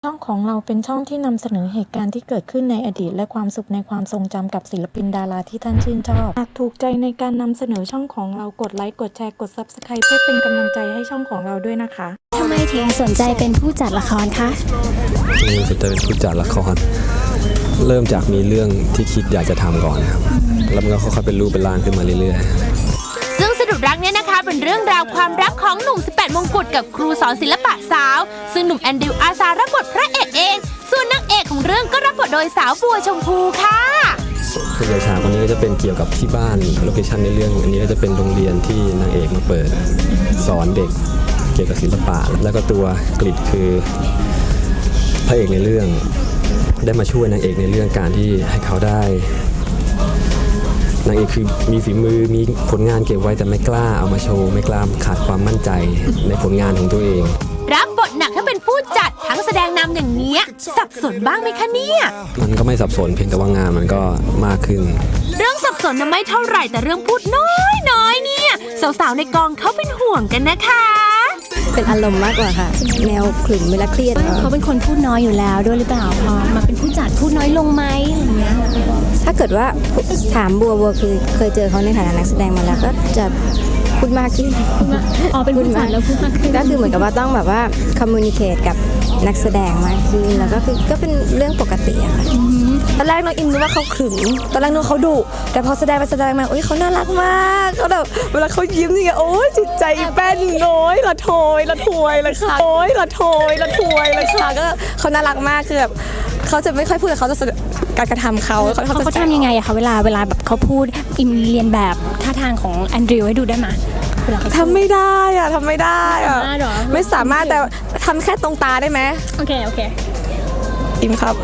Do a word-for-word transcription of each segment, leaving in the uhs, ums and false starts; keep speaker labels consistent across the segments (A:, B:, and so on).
A: ช่องของเราเป็นช่องที่นำเสนอเหตุการณ์ที่เกิดขึ้นในอดีตและความสุขในความทรงจำกับศิลปินดาราที่ท่านชื่นชอบหากถูกใจในการนำเสนอช่องของเรากดไลค์กดแชร์กด ซับสไครบ์ เพื่อเป็นกำลังใจให้ช่องของเราด้วยนะคะ
B: ทำไมถึงสนใจเป็นผู้จัดละครคะ
C: มีสนใจเป็นผู้จัดละครเริ่มจากมีเรื่องที่คิดอยากจะทำก่อนครับแล้วมันก็ค่อยๆเป็นรูปเป็นร่างขึ้นมาเรื่อยๆ
D: ซึ่งสะดุดรักเนี่ยนะคะเป็นเรื่องราวความรักของหนุ่มสิบแปดมงกุฎกับครูสอนศิลปะสาวซึ่งหนุ่มแอนดริวอาสารับบทพระเอกเองส่วนนางเอกของเรื่องก็รับบทโดยสาวบัวชมพูค่ะ
C: ผู้ชายคนนี้ก็จะเป็นเกี่ยวกับที่บ้านโลเคชั่นในเรื่องอันนี้ก็จะเป็นโรงเรียนที่นางเอกมาเปิดสอนเด็กเกี่ยวกับศิลปะแล้วก็ตัวกฤษคือพระเอกในเรื่องได้มาช่วยนางเอกในเรื่องการที่ให้เขาได้นางเอกคือมีฝีมือมีผลงานเก็บไว้แต่ไม่กล้าเอามาโชว์ไม่กล้าขาดความมั่นใจในผลงานของตัวเอง
D: รับบทหนักถ้าเป็นผู้จัดทั้งแสดงนำอย่างเนี้ยสับสนบ้างไหมคะเนี่ย
C: มันก็ไม่สับสนเพียงแต่ว่างานมันก็มากขึ้น
D: เรื่องสับสนน่ะไม่เท่าไหร่แต่เรื่องพูดน้อยน้อยเนี่ยสาวๆในกองเขาเป็นห่วงกันนะคะ
B: เป็นอารมณ์มากกว่าค่ะแนวขลุ่มเวลาเครียดเขาเป็นคนพูดน้อยอยู่แล้วด้วยหรือเปล่าพอมาเป็นผู้จัดพูดน้อยลงไหมอย่างเงี้ยถ้าเกิดว่าถามบัวบัวคือเคยเจอเขาในฐานะนักแสดงมาแล้วก็จะพูดมากขึ้นอ๋อเป็นผู้จัดแล้วพูดมากขึ้นก็คือเหมือนกับว่าต้องแบบว่าคอมมูนิเคตกับนักแสดงมากขึ้นแล้วก็คือก็เป็นเรื่องปกติอะค่ะ
E: ตอนแรกน้องอิมนึกว่าเขาขรึมตอนแรกนึกว่าเขาดุแต่พอแสดงไปแสดงมาโอ้ยเขาน่ารักมากเขาแบบเวลาเขายิ้มนี่โอ้ยจิตใจแป้นน้อยละโถยละถวยเลยค่ะโอ้ยละโถยละถวยเลยค่ะก็เขาน่ารักมากคือแบบเขาจะไม่ค่อยพูดแต่เขาจะการกระทำเขา
B: เขาเขาทำยังไงอะคะเวลาเวลาแบบเขาพูดอิมเรียนแบบท่าทางของแอนดริวให้ดูได้ไหม
E: ทำไม่ได้อะทำไม่ได้อะไม่สามารถแต่ทำแค่ตรงตาได้ไหม
B: โอเคโอเค
E: อิมครับ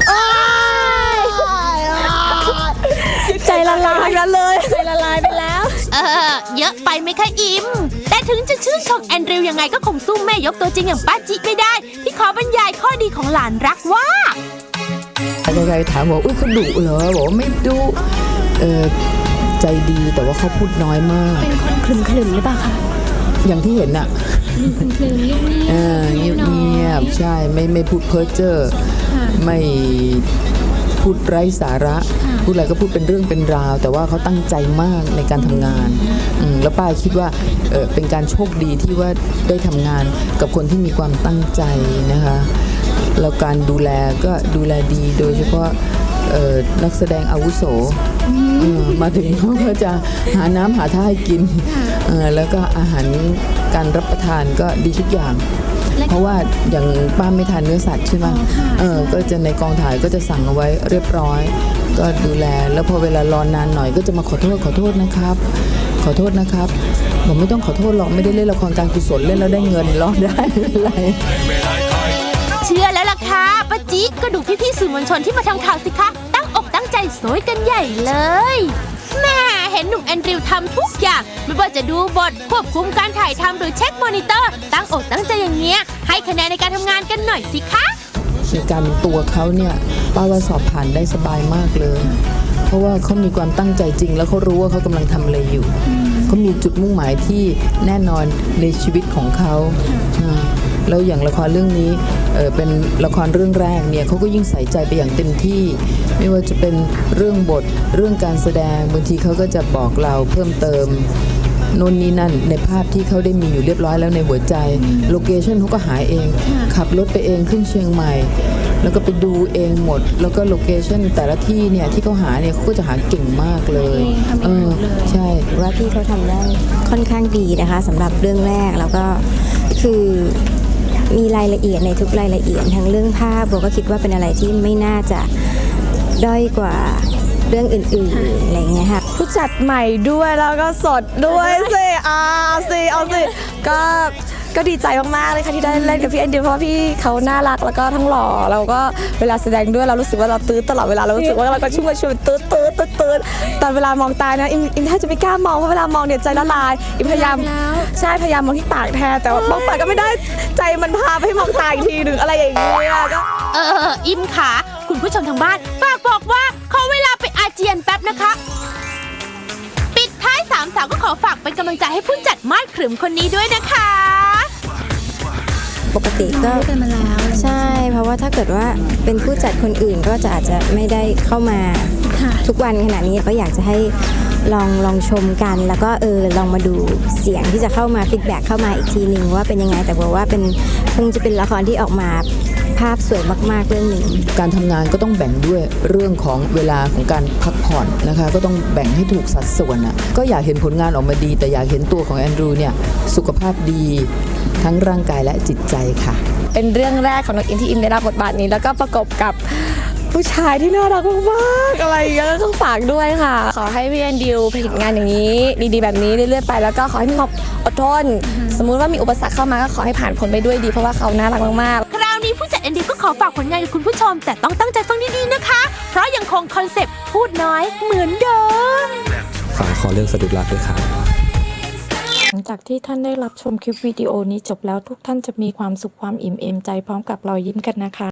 E: ใจละลายกันเลย
B: ใจละลายไปแล้ว
D: เออเยอะไปไหมคะอิมแต่ถึงจะชื่นชมแอนดริวยังไงก็คงสู้แม่ยกตัวจริงอย่างป้าจิไม่ได้ที่ขอบรรยายข้อดีของหลานรักว่า
F: ใครๆถามบอกอุ้ยเขาดุเหรอบอกว่าไม่ดุเออใจดีแต่ว่าเขาพูดน้อยมาก
B: เป็นคนคลึมคลึมหรือเปล่าคะ
F: อย่างที่เห็นน่ะ
B: คลึมคลึมเงียบ
F: เออเงียบเงียบใช่ไม่ไม่พูดเพ้อเจ้อไม่พูดไร้สาระพูดอะไรก็พูดเป็นเรื่องเป็นราวแต่ว่าเขาตั้งใจมากในการทำงานแล้วป้าคิดว่าเออเป็นการโชคดีที่ว่าได้ทำงานกับคนที่มีความตั้งใจนะคะแล้วการดูแลก็ดูแลดีโดยเฉพาะนักแสดงอาวุโสมาถึงเขาก็จะหาน้ำหาท่าให้กินแล้วก็อาหารการรับประทานก็ดีทุกอย่างเพราะว่าอย่างป้าไม่ทานเนื้อสัตว์ใช่ไหมเออก็จะในกองถ่ายก็จะสั่งเอาไว้เรียบร้อยก็ดูแลแล้วพอเวลารอนานหน่อยก็จะมาขอโทษขอโทษนะครับขอโทษนะครับผมไม่ต้องขอโทษหรอกไม่ได้เล่นละครการกุศลเล่นแล้วได้เงินรอดได้อะไร
D: เชื่อแล้วล่ะค่ะป้าจิ๊กก็ดูพี่ๆสื่อมวลชนที่มาทำข่าวสิคะตั้งอกตั้งใจโซยกันใหญ่เลยแม่เห็นหนุ่มแอนดริวทำทุกอย่างไม่ว่าจะดูบทควบคุมการถ่ายทำหรือเช็คมอนิเตอร์ตั้งอกตั้งใจอย่างเงี้ยให้คะแนนในการทำงานกันหน่อยสิคะ
F: ในการตัวเขาเนี่ยป้าว่าสอบผ่านได้สบายมากเลยเพราะว่าเขามีความตั้งใจจริงแล้วเขารู้ว่าเขากำลังทำอะไรอยู่เขามีจุดมุ่งหมายที่แน่นอนในชีวิตของเขาแล้วอย่างละครเรื่องนี้ เ, เป็นละครเรื่องแรกเนี่ยเขาก็ยิ่งใส่ใจไปอย่างเต็มที่ไม่ว่าจะเป็นเรื่องบทเรื่องการแสดงบางทีเขาก็จะบอกเราเพิ่มเติมโน่นนี่นั่นในภาพที่เขาได้มีอยู่เรียบร้อยแล้วในหัวใจโลเคชั่นเขาก็หาเองขับรถไปเองขึ้นเชียงใหม่แล้วก็ไปดูเองหมดแล้วก็โลเคชั่นแต่ละที่เนี่ยที่เขาหาเนี่ยเขาก็จะหาเก่งมากเลยเออใช่
B: ว่าที่เขาทำได้ค่อนข้างดีนะคะสำหรับเรื่องแรกแล้วก็คือมีรายละเอียดในทุกรายละเอียดทั้งเรื่องภาพโบก็คิดว่าเป็นอะไรที่ไม่น่าจะด้อยกว่าเรื่องอื่นๆอะไรเงี้ยค่ะ
E: ผู้จัดใหม่ด้วยแล้วก็สดด้วยสิอ่าสิเอาสิก็ก็ดีใจมากๆเลยค่ะที่ได้เล่นกับพี่แอนดิวเพราะพี่เขาน่ารักแล้วก็ทั้งหล่อเราก็เวลาแสดงด้วยเรารู้สึกว่าเราตื้อตลอดเวลาเรารู้สึกว่าเราก็ชุ่มชุ่มตื้อตื้อตื้อตื้อตอนเวลามองตานะอิมอิมแทบจะไม่กล้ามองเพราะเวลามองเนี่ยใจละลายอิมพยายามใช่พยายามมองที่ปากแทนแต่ว่ามองปากก็ไม่ได้ใจมันพาไปให้มองตาอีกทีหนึ่งอะไรอย่างเงี้ยก็
D: เอออิมขาคุณผู้ชมทางบ้านฝากบอกว่าขอเวลาไปอาเจียนแป๊บนะคะปิดท้ายสามสาวก็ขอฝากเป็นกำลังใจให้ผู้จัดมาดขรึมคนนี้ด้วยนะคะ
B: ปกติก็เป็นมาแล้วใช่ เพราะว่าถ้าเกิดว่าเป็นผู้จัดคนอื่นก็จะอาจจะไม่ได้เข้ามาทุกวันขนาดนี้ก็อยากจะให้ลองลองชมกัน แล้วก็เออลองมาดูเสียงที่จะเข้ามาฟีดแบ็กเข้ามาอีกทีหนึ่งว่าเป็นยังไงแต่บอกว่าเป็นคงจะเป็นละครที่ออกมาภาพสวยมากๆเรื่องหนึ่ง
F: การทำงานก็ต้องแบ่งด้วยเรื่องของเวลาของการพักผ่อนนะคะก็ต้องแบ่งให้ถูกสัดส่วนอ่ะก็อยากเห็นผลงานออกมาดีแต่อยากเห็นตัวของแอนดรูเนี่ยสุขภาพดีทั้งร่างกายและจิตใจค่ะ
E: เป็นเรื่องแรกของน้องอินที่อินได้รับบทบาทนี้แล้วก็ประกบกับผู้ชายที่น่ารักมากๆอะไรอย่างเงี้ยก็ต้องฝากด้วยค่ะ ขอให้พี่แอนดิวผลิตงานอย่างนี้ดีๆแบบนี้เรื่อยๆไปแล้วก็ขอให้มีความอดทนสมมุติว่ามีอุปสรรคเข้ามาก็ขอให้ผ่านพ้นไปด้วยดีเพราะว่าเขาน่ารักมากๆ
D: คราวนี้ผู้จัดแอนดี้ก็ขอฝากผลงานกับคุณผู้ชม แต่ต้องตั้งใจฟังดีๆนะคะ เพราะยังคงคอนเซปต์พูดน้อยเหมือนเดิม
C: ฝากขอเรื่องสะดุดรักด้วยครับ
A: หลังจากที่ท่านได้รับชมคลิปวิดีโอนี้จบแล้วทุกท่านจะมีความสุขความอิ่มเอมใจพร้อมกับรอยยิ้มกันนะคะ